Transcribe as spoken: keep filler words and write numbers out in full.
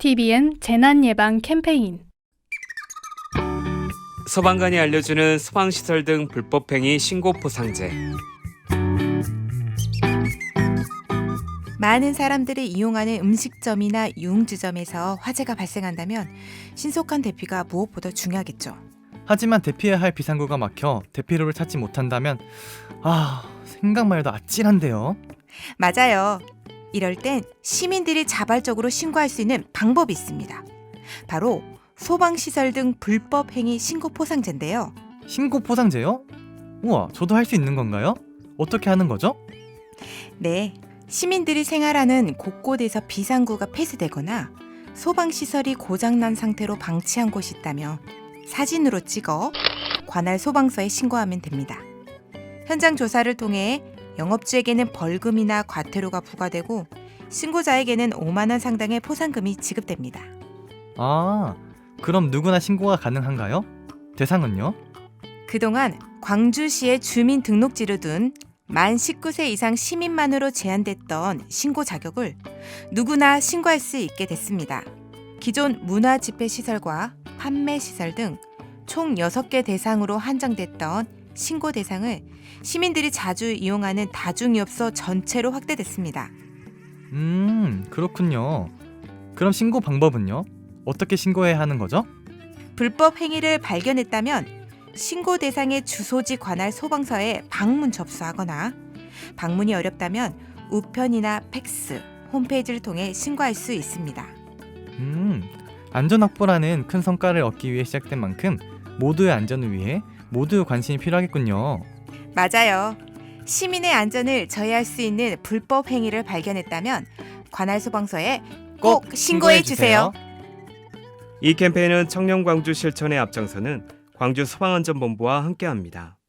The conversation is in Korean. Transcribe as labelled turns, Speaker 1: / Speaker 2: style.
Speaker 1: 티비엔 재난예방 캠페인.
Speaker 2: 소방관이 알려주는 소방시설 등 불법행위 신고 포상제.
Speaker 3: 많은 사람들이 이용하는 음식점이나 유흥주점에서 화재가 발생한다면 신속한 대피가 무엇보다 중요하겠죠.
Speaker 4: 하지만 대피해야 할 비상구가 막혀 대피로를 찾지 못한다면 아, 생각만 해도 아찔한데요.
Speaker 3: 맞아요. 이럴 땐 시민들이 자발적으로 신고할 수 있는 방법이 있습니다. 바로 소방시설 등 불법 행위 신고 포상제인데요.
Speaker 4: 신고 포상제요? 우와, 저도 할 수 있는 건가요? 어떻게 하는 거죠?
Speaker 3: 네, 시민들이 생활하는 곳곳에서 비상구가 폐쇄되거나 소방시설이 고장난 상태로 방치한 곳이 있다면 사진으로 찍어 관할 소방서에 신고하면 됩니다. 현장 조사를 통해 영업주에게는 벌금이나 과태료가 부과되고 신고자에게는 오만 원 상당의 포상금이 지급됩니다.
Speaker 4: 아, 그럼 누구나 신고가 가능한가요? 대상은요?
Speaker 3: 그동안 광주시에 주민등록지를 둔 만 십구 세 이상 시민만으로 제한됐던 신고 자격을 누구나 신고할 수 있게 됐습니다. 기존 문화집회시설과 판매시설 등 총 여섯 개 대상으로 한정됐던 신고 대상을 시민들이 자주 이용하는 다중이업소 전체로 확대됐습니다.
Speaker 4: 음, 그렇군요. 그럼 신고 방법은요? 어떻게 신고해야 하는 거죠?
Speaker 3: 불법 행위를 발견했다면 신고 대상의 주소지 관할 소방서에 방문 접수하거나 방문이 어렵다면 우편이나 팩스, 홈페이지를 통해 신고할 수 있습니다.
Speaker 4: 음, 안전확보라는 큰 성과를 얻기 위해 시작된 만큼 모두의 안전을 위해 모두의 관심이 필요하겠군요.
Speaker 3: 맞아요. 시민의 안전을 저해할 수 있는 불법 행위를 발견했다면 관할 소방서에 꼭 신고해 주세요.
Speaker 2: 이 캠페인은 청년 광주 실천의 앞장서는 광주 소방안전본부와 함께합니다.